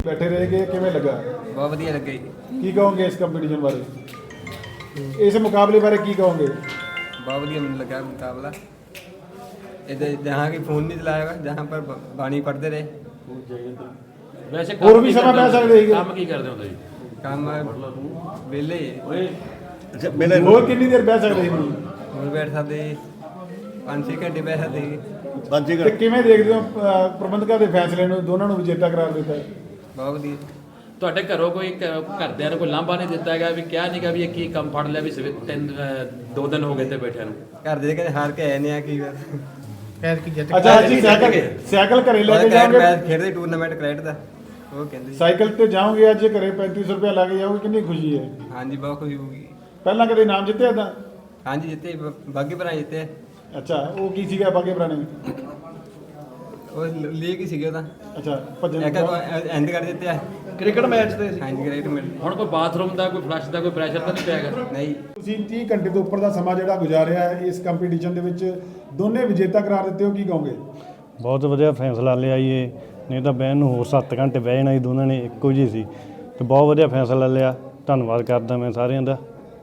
बैठे रहेंगे किवें लगा? बहुत वधिया लगे जी। की कहोगे इस कंपटीशन बारे, इस मुकाबले बारे की कहोगे? बहुत वधिया मैंने लगा मुकाबला। इधर जहाँ की फ़ोन नहीं चलाएगा, जहाँ पर बाणी पढ़ते रहे। वैसे और भी समय पै सकते ਸੀਗੇ। ਕੰਮ ਕੀ ਕਰਦੇ ਹੁੰਦੇ ਜੀ? काम वेले ਹੋਰ ਕਿੰਨੀ ਦੇਰ ਬਹਿ ਸਕਦੇ ਸੀ? और बैठ सकते 5-6 घंटे बैठ सकते जी। ਤੇ ਕਿਵੇਂ ਦੇਖਦੇ ਹੋ ਪ੍ਰਬੰਧਕਾਂ ਦੇ ਫੈਸਲੇ ਨੂੰ, ਦੋਨਾਂ ਨੂੰ ਵਿਜੇਤਾ ਕਰਾਰ ਦਿੱਤਾ ਹੈ? बहुत वधिया। ਤੁਹਾਡੇ ਘਰੋਂ ਕੋਈ ਘਰਦਿਆਂ ਨੇ ਕੋਈ ਲਾਂਭਾ ਨਹੀਂ ਦਿੱਤਾ ਹੈਗਾ ਵੀ ਕਿਹਾ ਨਹੀਂਗਾ ਵੀ ਇਹ ਕੀ ਕੰਮ ਫੜ ਲਿਆ ਵੀ 2 ਦਿਨ ਹੋ ਗਏ ਤੇ ਬੈਠਿਆਂ ਨੂੰ? घर दे कदे हार के आए ने की ਅੱਛਾ ਜੀ, ਸਾਈਕਲ ਘਰੇ ਲੈ ਕੇ ਜਾਓਗੇ? मैच खेलते टूर्नामेंट क्रिकेट का वो कहते ਸਾਈਕਲ ਤੇ ਜਾਓਗੇ ਅੱਜ ਘਰੇ 3500 ਰੁਪਏ ਲਾ ਕੇ ਜਾਓਗੇ, ਕਿੰਨੀ ਖੁਸ਼ੀ ਹੈ? हाँ जी बहुत खुशी होगी। ਪਹਿਲਾਂ ਕਦੇ ਨਾਮ ਜਿੱਤਿਆ ਤਾਂ? हाँ जी जीते बागी भरा जीते ਅੱਛਾ, ਉਹ ਕੀ ਸੀਗਾ ਬਾਗੇ ਪੁਰਾਣੇ? वो लीग ही सीगे ਅੱਛਾ, ਭੱਜਣ एक एंड कर देते हैं ਕ੍ਰਿਕਟ ਮੈਚ ਤੇ हाँ जी क्रिकेट में ਹੁਣ ਕੋਈ ਬਾਥਰੂਮ ਦਾ ਕੋਈ ਫਲਸ਼ ਦਾ ਕੋਈ ਪ੍ਰੈਸ਼ਰ ਤਾਂ ਨਹੀਂ ਪਿਆ ਹੈਗਾ? नहीं ਤੁਸੀਂ 30 ਘੰਟੇ ਤੋਂ ਉੱਪਰ ਦਾ ਸਮਾਂ ਜਿਹੜਾ ਗੁਜ਼ਾਰਿਆ ਹੈ ਇਸ ਕੰਪੀਟੀਸ਼ਨ ਦੇ ਵਿੱਚ, ਦੋਨੇ ਵਿਜੇਤਾ ਕਰਾਰ ਦਿੱਤੇ ਹੋ, ਕੀ ਕਹੋਗੇ? ਬਹੁਤ ਵਧੀਆ ਫੈਸਲਾ ਲਿਆ ਜੀ ਇਹ, ਨਹੀਂ ਤਾਂ ਬਹਿਣ ਨੂੰ ਹੋਰ 7 ਘੰਟੇ ਬਹਿ ਜਾਣਾ ਸੀ, ਦੋਨਾਂ ਨੇ ਇੱਕੋ ਜਿਹੀ ਸੀ ਤੇ ਬਹੁਤ ਵਧੀਆ ਫੈਸਲਾ ਲਿਆ। ਧੰਨਵਾਦ ਕਰਦਾ ਮੈਂ ਸਾਰਿਆਂ ਦਾ।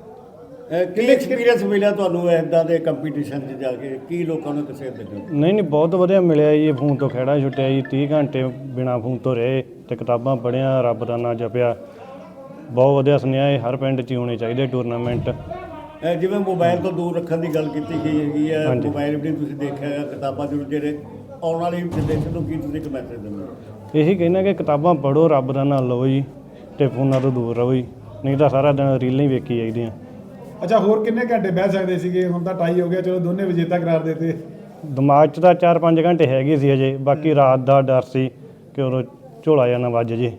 ਕੀ ਐਕਸਪੀਰੀਅੰਸ ਮਿਲਿਆ ਤੁਹਾਨੂੰ ਇੱਦਾਂ ਦੇ ਕੰਪੀਟੀਸ਼ਨ 'ਚ ਜਾ ਕੇ? ਕੀ ਲੋਕਾਂ ਨੂੰ ਕਿਸੇ ਦੇ ਨਹੀਂ ਬਹੁਤ ਵਧੀਆ ਮਿਲਿਆ ਜੀ। ਫੋਨ ਤੋਂ ਖਹਿੜਾ ਛੁੱਟਿਆ ਜੀ, 30 ਘੰਟੇ ਬਿਨਾਂ ਫੋਨ ਤੋਂ ਰਹੇ ਤੇ ਕਿਤਾਬਾਂ ਪੜ੍ਹੀਆਂ, ਰੱਬ ਦਾ ਨਾਂ ਜਪਿਆ। ਬਹੁਤ ਵਧੀਆ ਸੁਨੇਹਾ ਇਹ ਹਰ ਪਿੰਡ 'ਚ ਹੀ ਹੋਣੇ ਚਾਹੀਦੇ ਟੂਰਨਾਮੈਂਟ। ਜਿਵੇਂ ਮੋਬਾਈਲ ਤੋਂ ਦੂਰ ਰੱਖਣ ਦੀ ਗੱਲ ਕੀਤੀ ਗਈ ਹੈਗੀ ਹੈ, ਹਾਂਜੀ। ਮੋਬਾਈਲ ਵੀ ਤੁਸੀਂ ਦੇਖਿਆ ਹੈਗਾ, ਕਿਤਾਬਾਂ ਜ਼ਰੂਰ ਜਿਹੜੇ ਆਉਣ ਵਾਲੀ ਜਨਰੇਸ਼ਨ ਨੂੰ ਕੀ ਤੁਸੀਂ ਇੱਕ ਮੈਸੇਜ ਦਿੰਦੇ ਹੋ? ਇਹੀ ਕਹਿਣਾ ਕਿ ਕਿਤਾਬਾਂ ਪੜ੍ਹੋ, ਰੱਬ ਦਾ ਨਾਂ ਲਓ ਜੀ ਤੇ ਫੋਨਾਂ ਤੋਂ ਦੂਰ ਰਹੋ ਜੀ, ਨਹੀਂ ਤਾਂ ਸਾਰਾ ਦਿਨ ਰੀਲਾਂ ਹੀ ਵੇਖੀ ਜਾਈਦੀਆਂ। ਅੱਛਾ, ਹੋਰ ਕਿੰਨੇ ਘੰਟੇ ਬਹਿ ਸਕਦੇ ਸੀਗੇ? ਹੁਣ ਤਾਂ ਟਾਈ ਹੋ ਗਿਆ, ਚਲੋ ਦੋਨੇ ਵਿਜੇਤਾ ਕਰਾਰ ਦਿੱਤੇ। ਦਿਮਾਗ 'ਚ ਤਾਂ 4-5 ਘੰਟੇ ਹੈਗੇ ਸੀ ਅਜੇ, ਬਾਕੀ ਰਾਤ ਦਾ ਡਰ ਸੀ ਕਿ ਉਦੋਂ ਝੋਲਾ ਜਾਂ ਨਾ ਵੱਜ ਜੇ।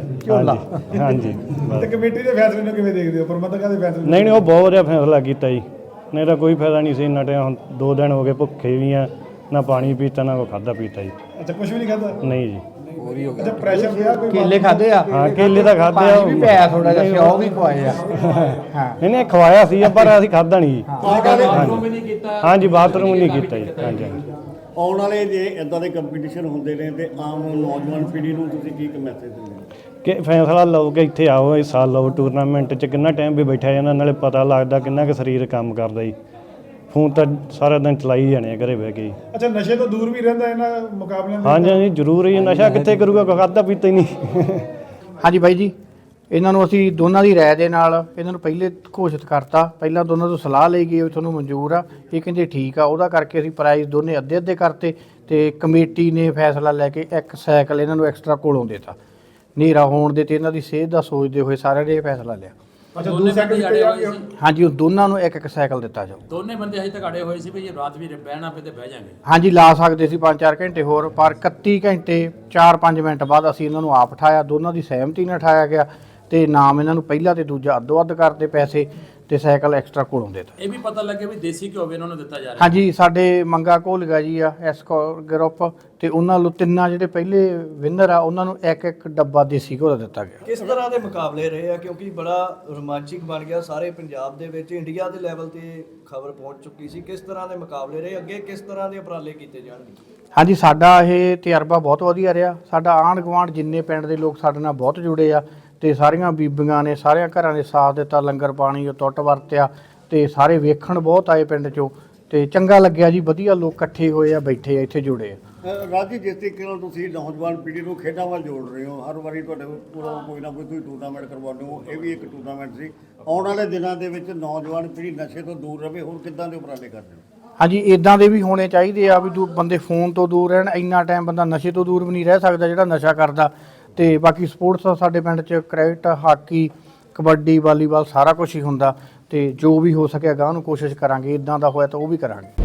ਹਾਂਜੀ ਹਾਂਜੀ ਤੇ ਕਮੇਟੀ ਦੇ ਫੈਸਲੇ ਨੂੰ ਕਿਵੇਂ ਦੇਖਦੇ ਹੋ, ਪ੍ਰਬੰਧਕਾਂ ਦੇ ਫੈਸਲੇ ਨੂੰ? ਨਹੀਂ ਉਹ ਬਹੁਤ ਵਧੀਆ ਫੈਸਲਾ ਕੀਤਾ ਜੀ, ਨਹੀਂ ਤਾਂ ਕੋਈ ਫਾਇਦਾ ਨਹੀਂ ਸੀ ਇੰਨਾ ਟਾਈਮ। ਹੁਣ 2 ਦਿਨ ਹੋ ਗਏ ਭੁੱਖੇ ਵੀ ਆ, ਨਾ ਪਾਣੀ ਪੀਤਾ ਨਾ ਕੋਈ ਖਾਧਾ ਪੀਤਾ ਜੀ। ਅੱਛਾ, ਕੁਝ ਵੀ ਨਹੀਂ ਖਾਧਾ? ਨਹੀਂ ਜੀ। ਅੱਛਾ, ਪ੍ਰੈਸ਼ਰ ਪਿਆ ਕੋਈ? ਕੇਲੇ ਖਾਦੇ ਆ? ਹਾਂ ਕੇਲੇ ਤਾਂ ਖਾਧੇ ਆ, ਵੀ ਪਿਆ ਥੋੜਾ ਜਿਹਾ, ਸਿਓ ਵੀ ਖਵਾਏ ਆ। ਹਾਂ ਨਹੀਂ ਖਵਾਇਆ ਸੀ ਪਰ ਅਸੀਂ ਖਾਧਾ ਨਹੀਂ ਜੀ। ਬਾਥਰੂਮ ਵੀ ਨਹੀਂ ਕੀਤਾ? ਹਾਂਜੀ ਬਾਥਰੂਮ ਨਹੀਂ ਕੀਤਾ ਜੀ। ਹਾਂਜੀ ਹਾਂਜੀ। ਆਉਣ ਵਾਲੇ ਜੇ ਇੱਦਾਂ ਦੇ ਕੰਪੀਟੀਸ਼ਨ ਹੁੰਦੇ ਨੇ ਤੇ ਆਮ ਨੌਜਵਾਨ ਪੀੜ੍ਹੀ ਨੂੰ ਤੁਸੀਂ ਕੀ ਇੱਕ ਮੈਸੇਜ ਦਿੰਦੇ ਹੋ? ਕਿ ਫੈਸਲਾ ਲਓ ਕਿ ਇੱਥੇ ਆਓ, ਹਿੱਸਾ ਲਓ ਟੂਰਨਾਮੈਂਟ 'ਚ। ਕਿੰਨਾ ਟਾਈਮ ਵੀ ਬੈਠਿਆ ਜਾਂਦਾ, ਨਾਲੇ ਪਤਾ ਲੱਗਦਾ ਕਿੰਨਾ ਕੁ ਸਰੀਰ ਕੰਮ ਕਰਦਾ ਜੀ। ਫੋਨ ਤਾਂ ਸਾਰਾ ਦਿਨ ਚਲਾਈ ਜਾਣੇ ਆ ਘਰੇ ਬਹਿ ਕੇ। ਅੱਛਾ, ਨਸ਼ੇ ਤੋਂ ਦੂਰ ਵੀ ਰਹਿੰਦਾ ਇਹਨਾਂ ਮੁਕਾਬਲਿਆਂ ਦੇ? ਹਾਂਜੀ ਹਾਂਜੀ ਜ਼ਰੂਰ ਜੀ, ਨਸ਼ਾ ਕਿੱਥੇ ਕਰੂਗਾ, ਕੋਈ ਖਾਧਾ ਪੀਤਾ ਹੀ ਨਹੀਂ। ਹਾਂਜੀ ਬਾਈ ਜੀ, ਇਹਨਾਂ ਨੂੰ ਅਸੀਂ ਦੋਨਾਂ ਦੀ ਰਾਏ ਦੇ ਨਾਲ ਇਹਨਾਂ ਨੂੰ ਪਹਿਲੇ ਘੋਸ਼ਿਤ ਕਰਤਾ। ਪਹਿਲਾਂ ਦੋਨਾਂ ਤੋਂ ਸਲਾਹ ਲਈ ਗਈ, ਤੁਹਾਨੂੰ ਮਨਜ਼ੂਰ ਆ? ਇਹ ਕਹਿੰਦੇ ਠੀਕ ਆ। ਉਹਦਾ ਕਰਕੇ ਅਸੀਂ ਪ੍ਰਾਈਜ਼ ਦੋਨੇ ਅੱਧੇ ਅੱਧੇ ਕਰਤੇ ਤੇ ਕਮੇਟੀ ਨੇ ਫੈਸਲਾ ਲੈ ਕੇ ਇੱਕ ਸਾਈਕਲ ਇਹਨਾਂ ਨੂੰ ਐਕਸਟਰਾ ਕੋਲੋਂ ਦੇਤਾ। ਹਨੇਰਾ ਹੋਣ ਦੇ ਤੇ ਇਹਨਾਂ ਦੀ ਸਿਹਤ ਦਾ ਸੋਚਦੇ ਹੋਏ ਸਾਰਿਆਂ ਨੇ ਇਹ ਫੈਸਲਾ ਲਿਆ। ਅੱਛਾ, ਦੋਨੇ 2 ਬੰਦੇ ਸੈਕਿੰਡ ਅੜੇ ਹੋਏ ਸੀ? ਹਾਂਜੀ, ਉਹ ਦੋਨਾਂ ਨੂੰ ਇੱਕ ਇੱਕ ਸਾਈਕਲ ਦਿੱਤਾ ਜਾਊ। ਦੋਨੇ ਬੰਦੇ ਹਜੇ ਤੱਕ ਅੜੇ ਹੋਏ ਸੀ ਵੀ ਜੇ ਰਾਤ ਵੀ ਬਹਿਣਾ ਪਏ ਤੇ ਬਹਿ ਜਾਾਂਗੇ। ਹਾਂਜੀ, ਲਾ ਸਕਦੇ ਸੀ 5-4 ਘੰਟੇ ਹੋਰ, ਪਰ 31 ਘੰਟੇ 4-5 ਮਿੰਟ ਬਾਅਦ ਅਸੀਂ ਇਹਨਾਂ ਨੂੰ ਆਪ ਉਠਾਇਆ। ਦੋਨਾਂ ਦੀ ਸਹਿਮਤੀ ਨਾਲ ਉਠਾਇਆ ਗਿਆ ਤੇ ਨਾਮ ਇਹਨਾਂ ਨੂੰ ਪਹਿਲਾ ਤੇ ਦੂਜਾ ਅੱਧੋ ਅੱਧ ਕਰਦੇ ਪੈਸੇ ਤੇ ਸਾਈਕਲ ਐਕਸਟਰਾ ਕੋਲੋਂ ਦੇਤਾ। ਇਹ ਵੀ ਪਤਾ ਲੱਗੇ ਵੀ ਦੇਸੀ ਘਿਓ ਵੀ ਇਹਨਾਂ ਨੂੰ ਦਿੱਤਾ ਜਾ ਰਿਹਾ? ਹਾਂਜੀ, ਸਾਡੇ ਮੰਗਾ ਘੋਲਗਾ ਜੀ ਆ ਗਰੁੱਪ ਤੇ ਉਹਨਾਂ ਨੂੰ ਤਿੰਨਾਂ ਜਿਹੜੇ ਪਹਿਲੇ ਵਿਨਰ ਆ ਉਹਨਾਂ ਨੂੰ ਇੱਕ ਇੱਕ ਡੱਬਾ ਦੇਸੀ ਘਿਓ ਦਾ ਦਿੱਤਾ ਗਿਆ। ਕਿਸ ਤਰ੍ਹਾਂ ਦੇ ਮੁਕਾਬਲੇ ਰਹੇ ਆ, ਕਿਉਂਕਿ ਬੜਾ ਰੋਮਾਂਚਿਕ ਬਣ ਗਿਆ ਸਾਰੇ ਪੰਜਾਬ ਦੇ ਵਿੱਚ, ਇੰਡੀਆ ਦੇ ਲੈਵਲ ਤੇ ਖਬਰ ਪਹੁੰਚ ਚੁੱਕੀ ਸੀ। ਕਿਸ ਤਰ੍ਹਾਂ ਦੇ ਮੁਕਾਬਲੇ ਰਹੇ, ਅੱਗੇ ਕਿਸ ਤਰ੍ਹਾਂ ਦੇ ਉਪਰਾਲੇ ਕੀਤੇ ਜਾਣਗੇ? ਹਾਂਜੀ, ਸਾਡਾ ਇਹ ਤਜਰਬਾ ਬਹੁਤ ਵਧੀਆ ਰਿਹਾ। ਸਾਡਾ ਆਂਢ ਗੁਆਂਢ ਜਿੰਨੇ ਪਿੰਡ ਦੇ ਲੋਕ ਸਾਡੇ ਨਾਲ ਬਹੁਤ ਜੁੜੇ ਆ ਤੇ ਸਾਰੀਆਂ ਬੀਬੀਆਂ ਨੇ ਸਾਰਿਆਂ ਘਰਾਂ ਦੇ ਸਾਥ ਦਿੱਤਾ, ਲੰਗਰ ਪਾਣੀ ਉਹ ਟੁੱਟ ਵਰਤਿਆ ਤੇ ਸਾਰੇ ਵੇਖਣ ਬਹੁਤ ਆਏ ਪਿੰਡ 'ਚੋਂ ਤੇ ਚੰਗਾ ਲੱਗਿਆ ਜੀ। ਵਧੀਆ ਲੋਕ ਇਕੱਠੇ ਹੋਏ ਆ, ਬੈਠੇ ਆ ਇੱਥੇ, ਜੁੜੇ ਆ। ਰਾਜੀ, ਜਿਸ ਤਰੀਕੇ ਨਾਲ ਤੁਸੀਂ ਨੌਜਵਾਨ ਪੀੜ੍ਹੀ ਨੂੰ ਖੇਡਾਂ ਵੱਲ ਜੋੜ ਰਹੇ ਹੋ, ਹਰ ਵਾਰੀ ਤੁਹਾਡੇ ਕੋਲ ਕੋਈ ਨਾ ਕੋਈ ਤੁਸੀਂ ਟੂਰਨਾਮੈਂਟ ਕਰਵਾਉਂਦੇ ਹੋ, ਇਹ ਵੀ ਇੱਕ ਟੂਰਨਾਮੈਂਟ ਸੀ। ਆਉਣ ਵਾਲੇ ਦਿਨਾਂ ਦੇ ਵਿੱਚ ਨੌਜਵਾਨ ਪੀੜ੍ਹੀ ਨਸ਼ੇ ਤੋਂ ਦੂਰ ਰਹੇ, ਹੋਰ ਕਿੱਦਾਂ ਦੇ ਉਪਰਾਲੇ ਕਰਦੇ ਹੋ? ਹਾਂਜੀ, ਇਦਾਂ ਦੇ ਵੀ ਹੋਣੇ ਚਾਹੀਦੇ ਆ ਵੀ ਬੰਦੇ ਫੋਨ ਤੋਂ ਦੂਰ ਰਹਿਣ। ਇੰਨਾ ਟਾਈਮ ਬੰਦਾ ਨਸ਼ੇ ਤੋਂ ਦੂਰ ਵੀ ਨਹੀਂ ਰਹਿ ਸਕਦਾ ਜਿਹੜਾ ਨਸ਼ਾ ਕਰਦਾ। ਤੇ ਬਾਕੀ ਸਪੋਰਟਸ ਸਾਡੇ ਪਿੰਡ 'ਚ ਕ੍ਰਿਕਟ, ਹਾਕੀ, ਕਬੱਡੀ, ਵਾਲੀਬਾਲ ਸਾਰਾ ਕੁਝ ਹੀ ਹੁੰਦਾ ਤੇ ਜੋ ਵੀ ਹੋ ਸਕਿਆ ਗਾਂ ਨੂੰ ਕੋਸ਼ਿਸ਼ ਕਰਾਂਗੇ। ਇਦਾਂ ਦਾ ਹੋਇਆ ਤਾਂ ਉਹ ਵੀ ਕਰਾਂਗੇ।